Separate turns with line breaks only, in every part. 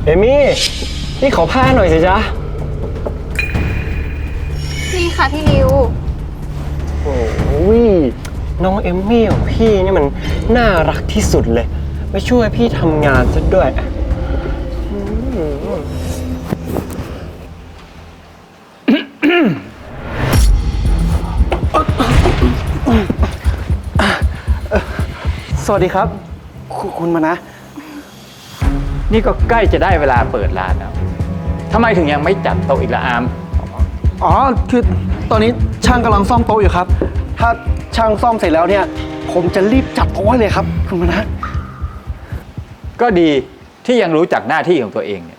เอมี่นี่ขอผ้าหน่อยสิจ๊ะ
นี่ค่ะพี่ริว
โอ้ยน้องเอมมี่ของพี่นี่มันน่ารักที่สุดเลยมาช่วยพี่ทำงานซะด้วยสวัสดีครับคุณมานะ
นี่ก็ใกล้จะได้เวลาเปิดร้านแล้วทำไมถึงยังไม่จัดโต๊ะอีกละอาม
อ๋อคือตอนนี้ช่างกำลังซ่อมโต๊ะอยู่ครับถ้าช่างซ่อมเสร็จแล้วเนี่ยผมจะรีบจัดโต๊ะเลยครับคุณมานะ
ก็ดีที่ยังรู้จักหน้าที่ของตัวเองเนี่ย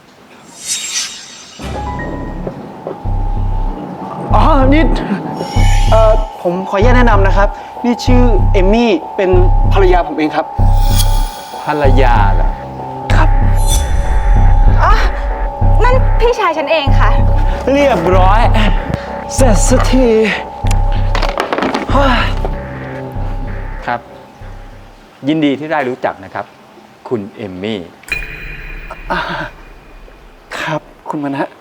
อ๋อนี่ผมขออนุญาตแนะนำนะครับนี่ชื่อเอมมี่เป็นภรรยาผมเองครับ
ภรรยาเหรอ
ครับ
อ๋อ นั่นพี่ชายฉันเองค่ะ
เรียบร้อยเสร็จสักที
ครับ ยินดีที่ได้รู้จักนะครับ คุณเอมมี่
ครับคุณมานะ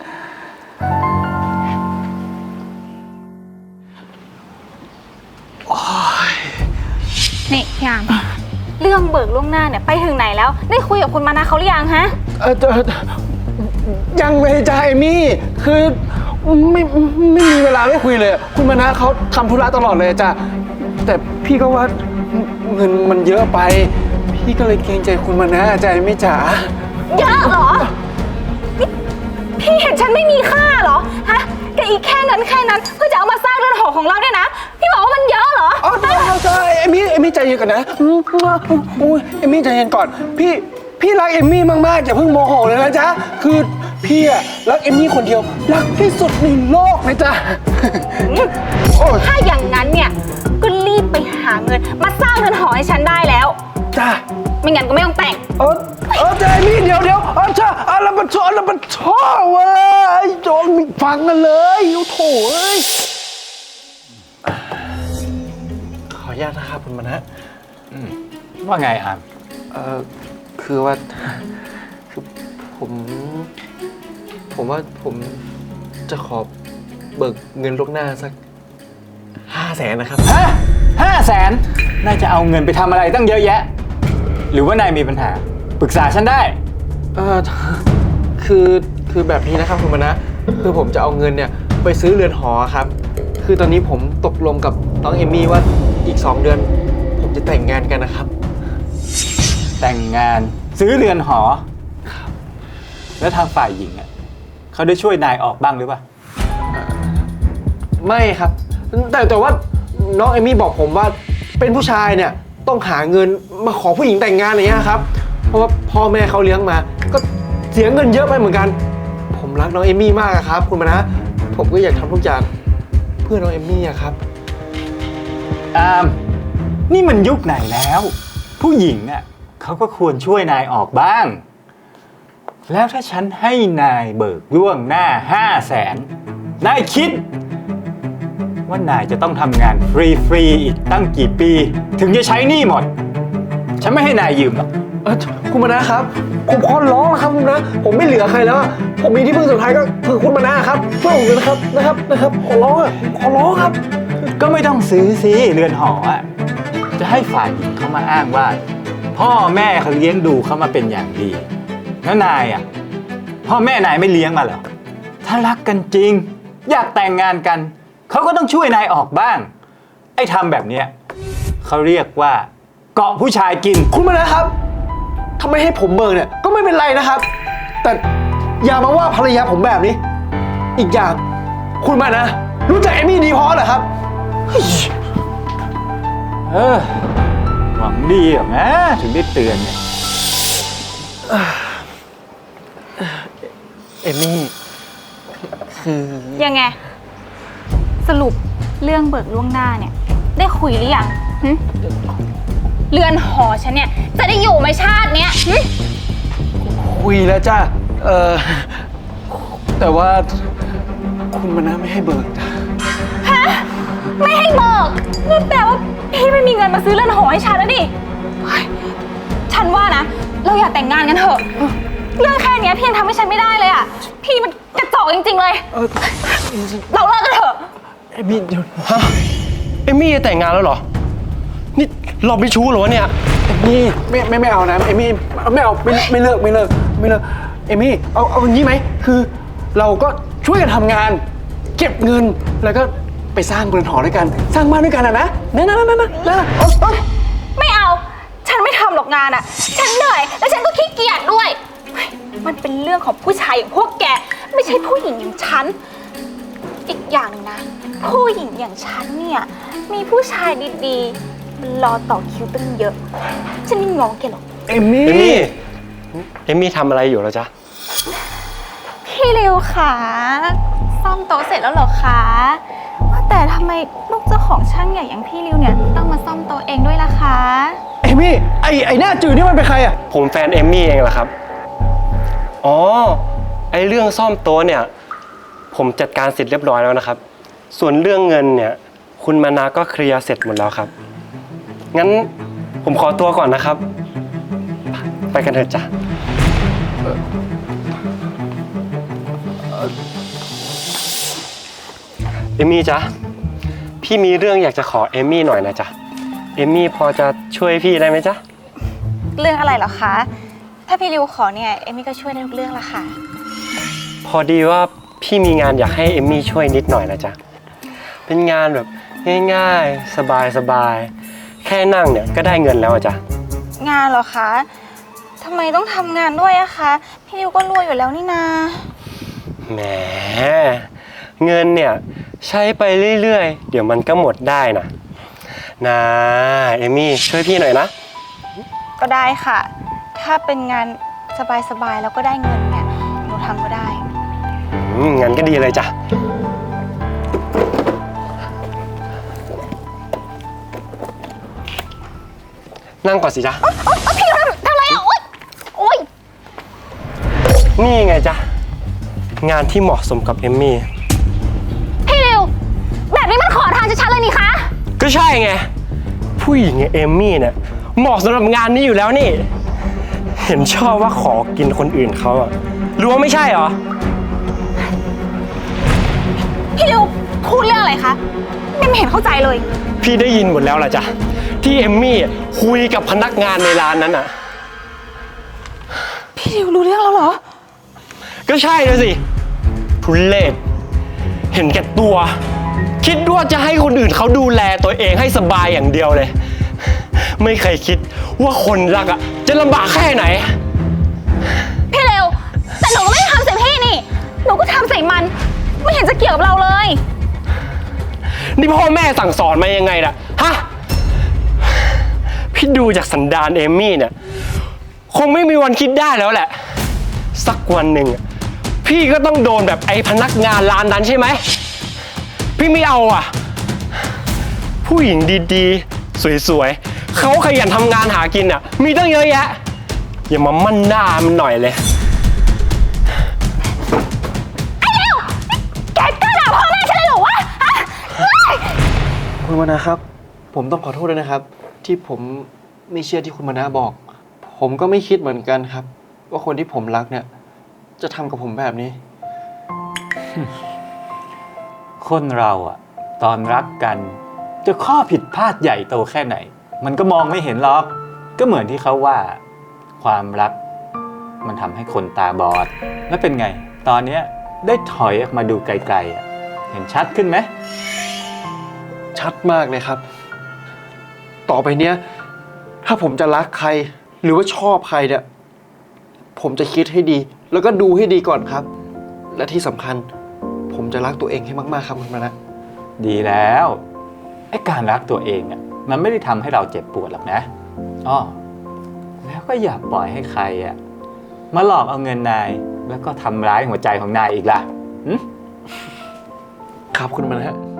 นี่พี่อามเรื่องเบิกล่วงหน้าเนี่ยไปถึงไหนแล้วได้คุยกับคุณมานะเขาหรือยังฮะ
ยังเลยจ้าเอมี่คือไม่มีเวลาไม่คุยเลยคุณมานะเขาทำธุระตลอดเลยจ้ะแต่พี่ก็ว่าเงินมันเยอะไปพี่ก็เลยเกรงใจคุณมานะจ้ะเอมี่จ๋า
เยอะเหรอนี่พี่เห็นฉันไม่มีค่าเหรอฮะแกอีกแค่นั้นเพื่อจะเอามาสร้างเรือนหอของเราเนี่ยนะพี่บอกว่ามันเยอะเหรอ
อ๋อใช่เอมี่ใจเย็นก่อนนะเอมี่ใจเย็นก่อนพี่รักเอมี่มากๆอย่าเพิ่งโมโหเลยนะจ๊ะคือพี่อะรักเอมี่คนเดียวรักที่สุดในโลกเลยจ้ะ
ถ้าอย่างนั้นเนี่ยก็รีบไปหาเงินมาสร้างเรือนหอให้ฉันได้แล้ว
จ้ะ
ไม่งั้นก็ไม่ต้องแต่ง
ใจมี่เดี๋ยวจ้ะแล้วมันชอบเว้ยโจนมีฟังกันเลยโถ่เอ้ยขออนุญาตนะครับคุณมานะ
ว่าไงอาม
คือว่าคือผมว่าผมจะขอเบิกเงินล่วงหน้าสัก500,000นะครับ
ฮะ500,000นายจะเอาเงินไปทำอะไรตั้งเยอะแยะหรือว่านายมีปัญหาปรึกษาฉันได้
คือแบบนี้นะครับคุณมานะคือผมจะเอาเงินเนี่ยไปซื้อเรือนหอครับคือตอนนี้ผมตกลงกับน้องเอมี่ว่าอีก2 เดือนผมจะแต่งงานกันนะครับ
แต่งงานซื้อเรือนหอแล้วทางฝ่ายหญิงอ่ะเขาได้ช่วยนายออกบ้างหรือเปล่า
ไม่ครับแต่ว่าน้องเอมี่บอกผมว่าเป็นผู้ชายเนี่ยต้องหาเงินมาขอผู้หญิงแต่งงานอย่างเงี้ยครับเพราะว่าพ่อแม่เขาเลี้ยงมาก็เสียเงินเยอะไปเหมือนกันผมรักน้องเอมี่มากครับคุณมานะผมก็อยากทำทุกอย่างเพื่อน้องเอมี่ครับ
นี่มันยุคไหนแล้วผู้หญิงอ่ะเขาก็ควรช่วยนายออกบ้างแล้วถ้าฉันให้นายเบิกล่วงหน้า500,000นายคิดว่านายจะต้องทำงานฟรีอีกตั้งกี่ปีถึงจะใช้หนี้หมดฉันไม่ให้นายยืมหรอก
คุณมานะครับผมขอร้องนะครับคุณนะผมไม่เหลือใครแล้วผมมีที่พึ่งสุดท้ายก็คือคุณมานะครับช่วยผมเลยนะครับขอร้องครับ
ก็ไม่ต้องซื้อสิเรือนหออ่ะจะให้ฝ่ายหญิงเขามาอ้างว่าพ่อแม่เขาเลี้ยงดูเขามาเป็นอย่างดีแล้วนายอ่ะพ่อแม่นายไม่เลี้ยงมาเหรอถ้ารักกันจริงอยากแต่งงานกันเขาก็ต้องช่วยนายออกบ้างไอ้ทำแบบเนี้ยเขาเรียกว่าเกาะผู้ชายกิน
คุณมานะครับทำไมให้ผมเบิกเนี่ยก็ไม่เป็นไรนะครับแต่อย่ามาว่าภรรยาผมแบบนี้อีกอย่างคุณมานะรู้จักเอมี่ดีพอเหรอครับ
หวังดีเหรอนะถึงได้เตือนเนี่ย
เอมี่คือ
ยังไงสรุปเรื่องเบิกล่วงหน้าเนี่ยได้คุยหรือยังเรือนหอฉันเนี่ยจะได้อยู่ไหมชาติเนี้ย
คุยแล้วจ้ะแต่ว่าคุณมานะไม่ให้เบิกจ้ะ
ฮะไม่ให้เบิกนั่นแปลว่าพี่ไม่มีเงินมาซื้อเรือนหอให้ฉันแล้วดิฉันว่านะเราอย่าแต่งงานกันเถอะเรื่องแค่เนี้ยพี่ยังทำให้ฉันไม่ได้เลยอ่ะ พี่มันกระจอกจริงๆเลย เราเลิกกันเถอะ
เอมี่เดี๋ยวฮะเอมี่จะแต่งงานแล้วเหรอ นี่เราไม่ชู้เหรอวะเนี่ยเอมี่ไม่เอานะเอมี่ไม่เอาไม่เลิกเอมี่เอาอย่างนี้ไหมคือเราก็ช่วยกันทำงาน เก็บเงินแล้วก็ไปสร้างเรือนหอด้วยกันสร้างบ้านด้วยกันนะนะเอา
ไม่เอา ฉันไม่ทำหรอกงานอ่ะ ฉันเหนื่อย และฉันก็ขี้เกียจด้วยเฮ้ยมันเป็นเรื่องของผู้ชายอย่างพวกแก ไม่ใช่ผู้หญิงอย่างฉัน อีกอย่างนะ ผู้หญิงอย่างฉันเนี่ย มีผู้ชายดีๆมันรอต่อคิวตั้งเยอะ ฉันไม่ง้อแกหรอก
เอมี่เอมี่ทำอะไรอยู่แล้วจ๊ะ
พี่ริวคะซ่อมโต๊ะเสร็จแล้วเหรอคะว่าแต่ทำไมลูกเจ้าของช่างใหญ่อย่างพี่ริวเนี่ยต้องมาซ่อมโต๊ะเองด้วยล่ะคะ
เอมี่ไอหน้าจืดนี่มันเป็นใครอ่ะ
ผมแฟนเอมมี่เองแหละครับ อ๋อ ไอเรื่องซ่อมโต๊ะเนี่ย ผมจัดการเสร็จเรียบร้อยแล้วนะครับ ส่วนเรื่องเงินเนี่ย คุณมานาก็เคลียร์เสร็จหมดแล้วครับ งั้นผมขอตัวก่อนนะครับ ไปกันเถอะจ้ะเอมมี่จ๊ะ พี่มีเรื่องอยากจะขอเอมมี่หน่อยนะจ๊ะ เอมมี่พอจะช่วยพี่ได้ไหมจ๊ะ
เรื่องอะไรเหรอคะ ถ้าพี่ริวขอเนี่ยเอมมี่ก็ช่วยได้ทุกเรื่องละค่ะ
พอดีว่าพี่มีงานอยากให้เอมมี่ช่วยนิดหน่อยนะจ๊ะ เป็นงานแบบง่ายๆ สบายๆ แค่นั่งเนี่ยก็ได้เงินแล้วอะจ๊ะ
งานเหรอคะทำไมต้องทำงานด้วยอะคะ พี่ริวก็รวยอยู่แล้วนี่นา
แหม เงินเนี่ยใช้ไปเรื่อยๆ เดี๋ยวมันก็หมดได้นะเอมมี่ช่วยพี่หน่อยนะ
ก็ได้ค่ะ ถ้าเป็นงานสบายๆแล้วก็ได้เงินเนี่ยหนูทำก็ได้
งั้นก็ดีเลยจ้ะ นั่งก่อนสิจ๊ะ
พี่ริวทำอะไรอะโอ๊ย
นี่ไงจ๊ะ งานที่เหมาะสมกับเอมมี่
พี่ริวแบบนี้มันขอทานชัดๆเลยนี่คะ
ก็ใช่ไง ผู้หญิงอย่างเอมมี่เนี่ยเหมาะสำหรับงานนี้อยู่แล้วนี่ เห็นชอบว่าขอกินคนอื่นเขาอะรู้ว่าไม่ใช่เหรอ
พี่ริวพูดเรื่องอะไรคะไม่เห็นเข้าใจเลย
พี่ได้ยินหมดแล้วล่ะจ๊ะ ที่เอมมี่คุยกับพนักงานในร้านนั้นอะ
พี่ริวรู้เรื่องแล้วเหรอ
ก็ใช่นะสิทุเรศเห็นแก่ตัว คิดว่าจะให้คนอื่นเขาดูแลตัวเองให้สบายอย่างเดียวเลย ไม่เคยคิดว่าคนรักอะจะลำบากแค่ไหน
พี่ริวแต่หนูก็ไม่ได้ทำใส่พี่นี่ หนูก็ทำใส่มัน ไม่เห็นจะเกี่ยวกับเราเลย
นี่พ่อแม่สั่งสอนมายังไงล่ะฮะ พี่ดูจากสันดานเอมมี่เนี่ยคงไม่มีวันคิดได้แล้วแหละ สักวันหนึ่งอะพี่ก็ต้องโดนแบบไอ้พนักงานร้านนั้นใช่ไหม พี่ไม่เอาอ่ะ ผู้หญิงดีๆ สวยๆเขาขยันทำงานหากินอ่ะ มีตั้งเยอะแยะ อย่ามามั่นหน้ามันหน่อยเลย
แกกล้าด่าพ่อแม่ฉันเลยเหรอวะฮะเฮ้ย
คุณมานะครับ ผมต้องขอโทษด้วยนะครับ ที่ผมไม่เชื่อที่คุณมานะบอก ผมก็ไม่คิดเหมือนกันครับ ว่าคนที่ผมรักเนี่ยจะทำกับผมแบบนี้
คนเราอะตอนรักกันจะข้อผิดพลาดใหญ่โตแค่ไหน มันก็มองไม่เห็นหรอก ก็เหมือนที่เขาว่า ความรักมันทำให้คนตาบอด แล้วเป็นไง ตอนเนี้ยได้ถอยออกมาดูไกลๆอะเห็นชัดขึ้นไหม
ชัดมากเลยครับ ต่อไปเนี้ยถ้าผมจะรักใครหรือว่าชอบใครเนี่ยผมจะคิดให้ดี แล้วก็ดูให้ดีก่อนครับ และที่สำคัญ ผมจะรักตัวเองให้มากๆครับคุณมานะ
ดีแล้วไอ้การรักตัวเองอะมันไม่ได้ทำให้เราเจ็บปวดหรอกนะอ้อแล้วก็อย่าปล่อยให้ใครอะมาหลอกเอาเงินนายแล้วก็ทำร้ายหัวใจของนายอีกล่ะ
ครับคุณมานะ